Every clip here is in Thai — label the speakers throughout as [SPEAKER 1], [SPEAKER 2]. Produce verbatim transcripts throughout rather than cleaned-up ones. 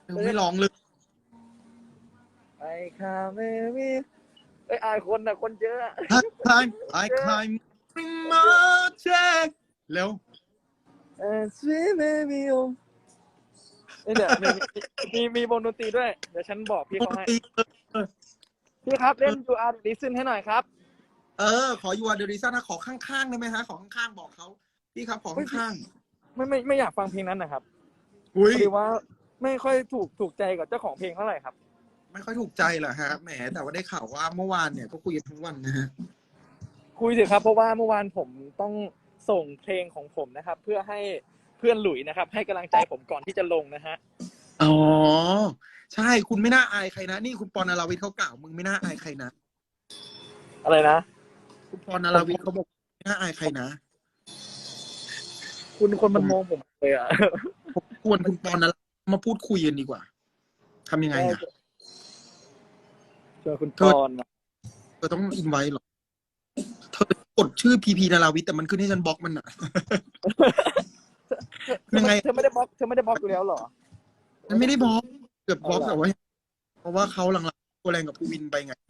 [SPEAKER 1] ไม่ร้องเลย
[SPEAKER 2] ไอ้ข้าไม่มีไอ้อายคนน่ะคนเยอะ
[SPEAKER 1] Time I climb my check เร็ว
[SPEAKER 2] เออ sweet baby oh เดี๋ยวมีมีมีวงดนตรีด้วยเดี๋ยวฉันบอกพี่เขาให้พี่ครับเล่น You Are the Reason ให้หน่อยครับ
[SPEAKER 1] เออขอ You Are the Reason นะขอข้างๆได้ไหมฮะขอข้างๆบอกเขาพี่ครับขอข้าง
[SPEAKER 2] ๆไม่ไม่ไม่อยากฟังเพลงนั้นนะครับ
[SPEAKER 1] อุ้ย
[SPEAKER 2] พอดีว่าไม่ค่อยถูกถูกใจกับเจ้าของเพลงเท่าไหร่ครับ
[SPEAKER 1] ไม่ค่อยถูกใจเหรอฮะแหมแต่ว่าได้ข่าวว่าเมื่อวานเนี่ยก็คุยกันทั้งวันนะฮะ
[SPEAKER 2] คุยสิครับเพราะว่าเมื่อวานผมต้องส่งเพลงของผมนะครับเพื่อให้เพื่อนหลุยนะครับให้กำลังใจผมก่อนที่จะลงนะฮะ
[SPEAKER 1] อ๋อใช่คุณไม่น่าอายใครนะนี่คุณปอนนราวิทย์เขากล่าวมึงไม่น่าอายใครนะ
[SPEAKER 2] อะไรนะ
[SPEAKER 1] คุณปอนนราวิทย์เขาบอกไม่น่าอายใครนะ
[SPEAKER 2] คุณคนมันมองผมเลยอ่ะ
[SPEAKER 1] ควรคุณปอนนรามาพูดคุยกันดีกว่าทำยังไงอ่ะ
[SPEAKER 2] เจอคุณปอนมา
[SPEAKER 1] เธอต้องอินไว้หรอเธอกดชื่อพีพีนาราวิทย์แต่มันขึ้นให้ฉันบล็อกมันอ่ะยังไง
[SPEAKER 2] เธอไม่ได้บล็อกเธอไม่ได้บล็อกอยู่แล้วหรอ
[SPEAKER 1] มันไม่ได้บล็อกเกือบบล็อกแต่ว่าเพราะว่าเขาหลังๆตัวแรงกับภูวินไปไง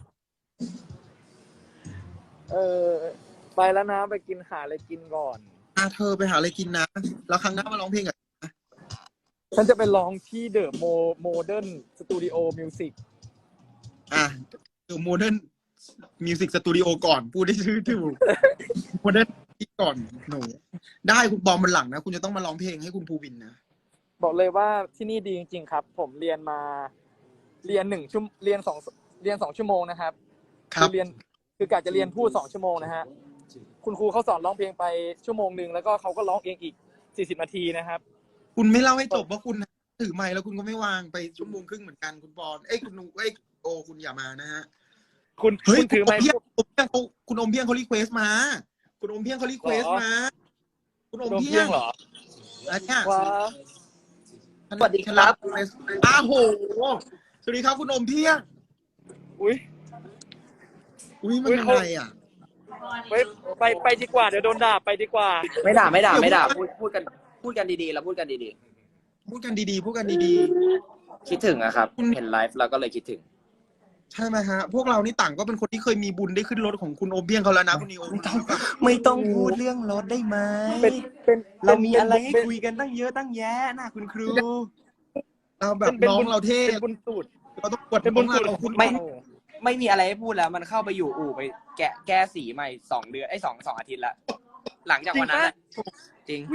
[SPEAKER 2] เออไปแล้วนะไปกินหาอะไรกินก่อน
[SPEAKER 1] อ่ะเธอไปหาอะไรกินนะแล้วครั้งหน้ามาร้องเพลงกันนะ
[SPEAKER 2] ฉันจะไปร้องที่เดอะโมโมเดิร์นสตูดิโอมิวสิก
[SPEAKER 1] อ่ะเดอะโมเดิร์นมิวสิกสตูดิโอก่อนพูดได้ชื่อถูกโมเดิร์นที่ก่อนหนูได้คุณบอมมันหลังนะคุณจะต้องมาร้องเพลงให้คุณภูวินนะ
[SPEAKER 2] บอกเลยว่าที่นี่ดีจริงๆครับผมเรียนมาเรียนหนึ่งชั่วเรียนสองเรียนสองชั่วโมงนะครับคือเรียนคือกะจะเรียนพูดสองชั่วโมงนะฮะคุณครูเขาสอนร้องเพลงไปชั่วโมงนึงแล้วก็เขาก็ร้องเองอีกสี่สิบนาทีนะครับ
[SPEAKER 1] คุณไม่เล่าให้จบว่าคุณถือไมค์แล้วคุณก็ไม่วางไปชั่วโมงครึ่งเหมือนกันคุณปอนเอ้ยคุณเอ้ยโอคุณอย่ามานะฮะ
[SPEAKER 2] คุณคุณถือไมค์
[SPEAKER 1] คุณอมเพียงเขารีเควสมาคุณอมเพียงเขารีเควสมาคุณอมเพียงเหรออันเนี้ย
[SPEAKER 2] สวัสดีครับ
[SPEAKER 1] อ้าวโหสวัสดีครับคุณอมเพียง
[SPEAKER 2] อุ้ย
[SPEAKER 1] อุ้ยมันยังไงอ่ะ
[SPEAKER 2] ไปไปไปดีกว่าเดี๋ยวโดนด่าไปดีกว่า
[SPEAKER 3] ไม่ด่าไม่ด่าไม่ด่าพูดพูดกันพูดกันดีๆเราพูดกันดี
[SPEAKER 1] ๆพูดกันดีๆพูดกันดี
[SPEAKER 3] ๆคิดถึงอะครับเห็นไลฟ์เราก็เลยคิดถึง
[SPEAKER 1] ใช่ไหมฮะพวกเรานี่ต่างก็เป็นคนที่เคยมีบุญได้ขึ้นรถของคุณโอมเพียงเขาแล้วนะคุณนิโอ
[SPEAKER 3] ไม่ต้องไม่ต้องพูดเรื่องรถได้ไหม
[SPEAKER 2] เป็นเป็น
[SPEAKER 3] เรามีอะไรให้คุยกันตั้งเยอะตั้งแยะนะคุณครู
[SPEAKER 1] เราแบบน้องเราเท่
[SPEAKER 2] เป็นบุญสูตร
[SPEAKER 1] เราต้องกด
[SPEAKER 2] เป็นบุญสูตร
[SPEAKER 1] คุณ
[SPEAKER 3] ไม่ไม่มีอะไรให้พูดแล้วมันเข้าไปอยู่อู่ไปแกะแก้สีใหม่สองเดือนไอ้สองสองอาทิตย์ละหลังจากวันนั้นจริง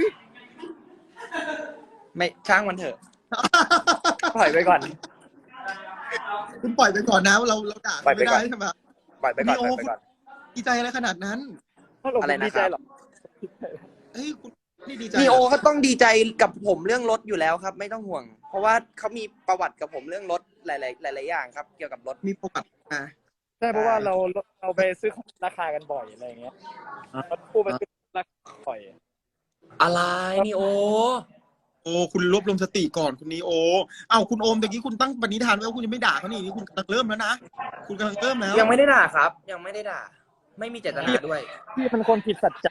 [SPEAKER 3] ไม่ช่างมันเถอะ
[SPEAKER 2] ปล่อยไปก่อน
[SPEAKER 1] คุณปล่อยไปก่อนนะเราเราด่าไม่ได้ใช่ไหม
[SPEAKER 2] ปล่อยไปก่อนปล่อยไปก่อน
[SPEAKER 1] ดีใจอะไรขนาดนั้น
[SPEAKER 2] อะไรนะดีใจหรอ
[SPEAKER 1] เฮ้ยคุณนี่ดีใจ
[SPEAKER 3] นีโอเขาต้องดีใจกับผมเรื่องรถอยู่แล้วครับไม่ต้องห่วงเพราะว่าเขามีประวัติกับผมเรื่องรถหลายๆหลายๆอย่างครับเกี่ยวกับรถ
[SPEAKER 1] มีประวัติอ่ะ
[SPEAKER 2] ใช่เพราะว่าเราเราไปซื้อของราคากันบ่อยอะไรอย่างเงี้ยคู่ไปซื้อราคาบ่อย
[SPEAKER 3] อะไรนีโอ
[SPEAKER 1] โอ้คุณรวบรวมสติก่อนคุณนีโอเอ้าคุณโอมตะกี้คุณตั้งปณิธานไว้ว่าคุณจะไม่ด่าเขานี่นี่คุณกำลังเริ่มแล้วนะคุณกำลังเริ่มแล้ว
[SPEAKER 3] ยังไม่ได้ด่าครับยังไม่ได้ด่าไม่มีเจตนาด้วย
[SPEAKER 2] พี่เป็นคนผิดสัจจะ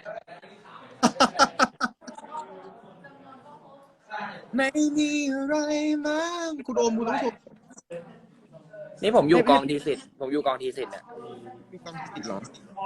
[SPEAKER 1] ไม่มีอะไรมั้งคุณโอมคุณต้องชม
[SPEAKER 3] นี่ผมอยู่กองทีสิทธิ์ผมอยู่กองทีสิทธิ์เนี่ย
[SPEAKER 1] มีกองทีสิทธิ์เหรอ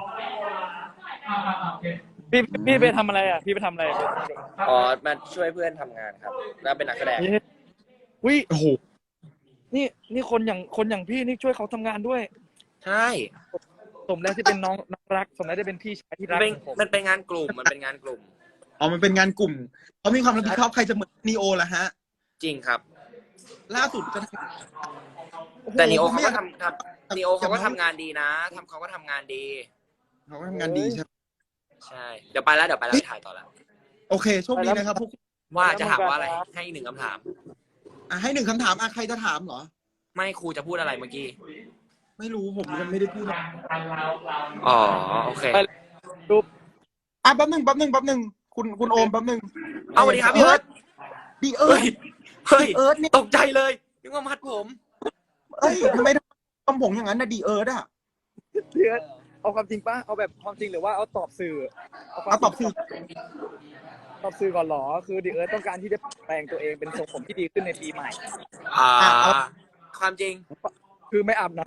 [SPEAKER 2] พี่พี่ไปทำอะไรอ่ะพี่ไปทำอะไร
[SPEAKER 3] อ๋อมาช่วยเพื่อนทำงานครับแล้วเป็นนักแสดง
[SPEAKER 2] วิ
[SPEAKER 1] โอ้โห
[SPEAKER 2] นี่นี่คนอย่างคนอย่างพี่นี่ช่วยเขาทำงานด้วย
[SPEAKER 3] ใช่
[SPEAKER 2] สมแล้วที่เป็นน้องน้องรักสมแล้วได้เป็นพี่ชายที่รักผม
[SPEAKER 3] มันเป็นงานกลุ่มมันเป็นงานกลุ่ม
[SPEAKER 1] อ๋อมันเป็นงานกลุ่มเขามีความรับผิดชอบใครจะเหมือนนีโอล่ะฮะ
[SPEAKER 3] จริงครับ
[SPEAKER 1] ล่าสุดจะ
[SPEAKER 3] แต่นีโอเขาก็ทำครับนีโอเขาก็ทำงานดีนะทำเขาก็ทำงานดี
[SPEAKER 1] เขาก็ทำงานดีใช่
[SPEAKER 3] ใช่เดี๋ยวไปแล้วเดี๋ยวไปแล้วถ่ายต่อแล้ว
[SPEAKER 1] โอเคโชคดีนะครับพวก
[SPEAKER 3] ว่าจะถามว่าอะไรให้หนึ่งคำถาม
[SPEAKER 1] อ่ะให้หนึ่งคำถามอ่ะใครจะถามเหรอ
[SPEAKER 3] ไม่ครูจะพูดอะไรเมื่อกี้
[SPEAKER 1] ไม่รู้ผมยังไม่ได้พูด
[SPEAKER 3] อ๋อโอเค
[SPEAKER 2] รูป
[SPEAKER 1] อ่ะแป๊บหนึ่งแป๊บหนึ่งแป๊บหนึ่งคุณคุณโอมแป๊บหนึ่ง
[SPEAKER 3] เอาสวัสดีครับพี่เอิร์ธ
[SPEAKER 1] ดีเอิร์ธ
[SPEAKER 3] เฮ้ยเอิร์ธนี่ตกใจเลยนึกว่ามัดผม
[SPEAKER 1] เอ้ยทำไมทำผมอย่างนั้นนะดีเอิร์ธอ่ะ
[SPEAKER 2] ดีเอิร์ธเอาความจริงป่ะเอาแบบความจริงหรือว่าเอาตอบสื่อ
[SPEAKER 1] เอาตอบสื่อ
[SPEAKER 2] ตอบสื่อก่อนเหรอคือดิเอิร์ธต้องการที่จะแปลงตัวเองเป็นทรงผมที่ดีขึ้นในปีใหม่
[SPEAKER 3] อ่า
[SPEAKER 1] อ่ะเอา
[SPEAKER 3] ความจริง
[SPEAKER 2] คือไม่อาบน้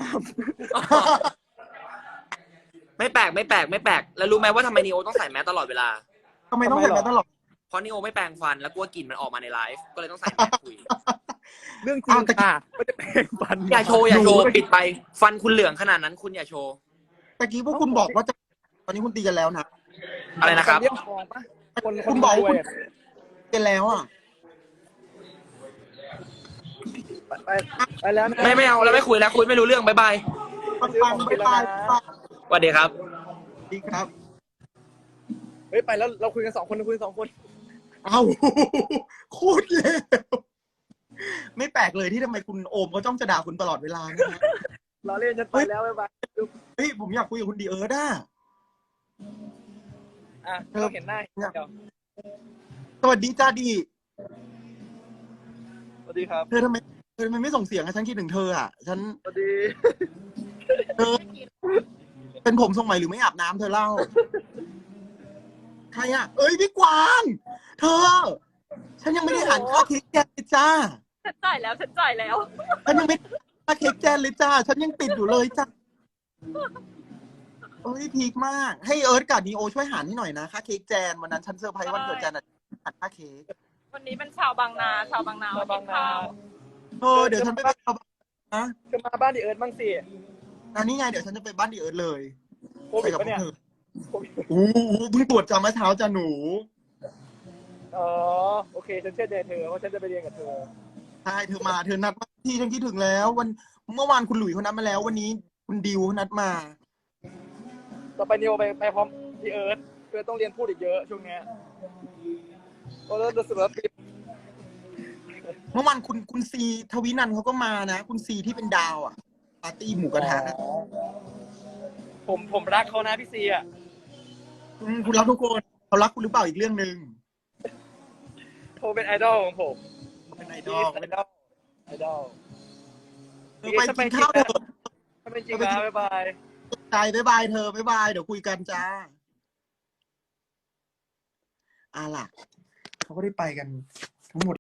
[SPEAKER 3] ไม่แปลกไม่แปลกไม่แปลกแล้วรู้ไหมว่าทำไมนีโอต้องใส่แมสตลอดเวลา
[SPEAKER 1] ทำไมต้องใส่แมสตลอด
[SPEAKER 3] เพราะนีโอไม่แปรงฟันแล้วกลัวกลิ่นมันออกมาในไลฟ์ก็เลยต้องใส่แมสคุย
[SPEAKER 2] ำเรื่องจริง
[SPEAKER 1] อ้าวแต่
[SPEAKER 2] ค่ะไม่ได้แปลงฟัน
[SPEAKER 3] อย่าโชว์อย่าโชว์ปิดไปฟันคุณเหลืองขนาดนั้นคุณอย่าโชว์
[SPEAKER 1] ตะกี้พวกคุณบอกว่าจะตอนนี้คุณตีกันแล้วนะ
[SPEAKER 3] อะไรนะครับ
[SPEAKER 2] เรียกฟองปะคนค
[SPEAKER 1] คุ
[SPEAKER 2] น
[SPEAKER 1] ณบอก
[SPEAKER 2] รวย
[SPEAKER 1] คุณ
[SPEAKER 2] อะ
[SPEAKER 1] กันแล้วอ่ะ
[SPEAKER 2] ไปไปไปแล้วนะ
[SPEAKER 3] ไม่ไม่เอาแล้วไม่คุยแล้วคุยไม่รู้เรื่องบายบาย
[SPEAKER 1] ปังปังไปไป
[SPEAKER 3] สวัสดีครับ
[SPEAKER 1] ดีครับ
[SPEAKER 2] เฮ้ยไปแล้วเราคุยกันสองคนเราคุยกันสองคน
[SPEAKER 1] เอ้า โคตรเร็วไม่แปลกเลยที่ทำไมคุณโอมเขาจ้องจะด่าคุณตลอดเวลานะฮะ
[SPEAKER 2] เราเล่นฉันไปแล้วบ๊ายบาย
[SPEAKER 1] เฮ้ยผมอยากคุยกับคุณดีเอิร์ดอ่ะ
[SPEAKER 2] อ่ะเราเห็นหน้าเดี๋ยว
[SPEAKER 1] สวัสดีจ้าดี
[SPEAKER 2] สวัสดีครับ
[SPEAKER 1] เธอทำไมเธอทำไมไม่ส่งเสียงอะฉันคิดถึงเธออ่ะ ฉัน
[SPEAKER 2] สวัสดี
[SPEAKER 1] เธอ เป็นผมทรงใหม่หรือไม่อาบน้ำเธอเล่า ใครอ่ะ เอ้ยพี่กวาง เธอ ฉันยังไม่ได้อ่านค่าเค้กแกเลยจ้า
[SPEAKER 4] ฉันจ่ายแล้วฉันจ่ายแล้ว
[SPEAKER 1] ฉันยังไม่ได้ค่าเค้กแจนเลยจ้า ฉันยังติดอยู่เลยจ้าเอ้ยพีคมาก ให้เอิร์ธกับนีโอช่วยหารให้หน่อยนะค่าเค้กแจนวันนั้นฉันเซอร์ไพรส์วันเกิดแจนอ่ะหารค่าเค้ก
[SPEAKER 4] วันนี้เป็นชาวบางนา ชาวบางนา
[SPEAKER 2] ชาวบางนา
[SPEAKER 4] ข้าว
[SPEAKER 1] เออเดี๋ยวฉันไปเป็นชาวบ้านนะ
[SPEAKER 2] จะมาบ้านดิเอิร์ธบ้างสิ
[SPEAKER 1] อันนี้ไงเดี๋ยวฉันจะไปบ้านดีเอิร์ธเลย
[SPEAKER 2] โควิด
[SPEAKER 1] ไปกับพว
[SPEAKER 2] ปะเนี่
[SPEAKER 1] ก
[SPEAKER 2] ย
[SPEAKER 1] เธออู้หูเพิ่งตรวจจำเมื่อเช้าจ้าหนู
[SPEAKER 2] อ๋อโอเคฉันเชื่อใจเธอเพราะฉันจะไปเรียนกับเธอ
[SPEAKER 1] ใช่เธอมาเธอนัดมาที่ฉันคิดถึงแล้ว วันเมื่อวานคุณหลุยเขานัดมาแล้ว วันนี้คุณดิวเขานัดมา
[SPEAKER 2] ต่อไปนิวไปไปพร้อมดิเอิร์ธเพื่อต้องเรียนพูดอีกเยอะช่วงเนี้ยเพราะรู้สึกว่าปี
[SPEAKER 1] เมื่อวานคุณคุณซีทวินันท์เขาก็มานะ คุณซีที่เป็นดาวอ่ะปาร์ตี้หมูกระทะ
[SPEAKER 2] ผมผมรักเขานะพี่ซีอ่ะ
[SPEAKER 1] มคุณรักทุกคนเขารักคุณหรือเปล่าอีกเรื่องหนึ่ง
[SPEAKER 2] เขาเป็นไอดอลของผม
[SPEAKER 1] เป็นไอด
[SPEAKER 2] ดี
[SPEAKER 1] อล
[SPEAKER 2] ไอดอลไอดอล
[SPEAKER 1] เธอไปกินข้าวเถอะ
[SPEAKER 2] ถ้าเป็นจริงนะบ๊ายบาย
[SPEAKER 1] ใจบ๊ายบายเธอบ๊ายบายเดี๋ยวคุยกันจ้าอ่ะล่ะเขาก็ได้ไปกันทั้งหมด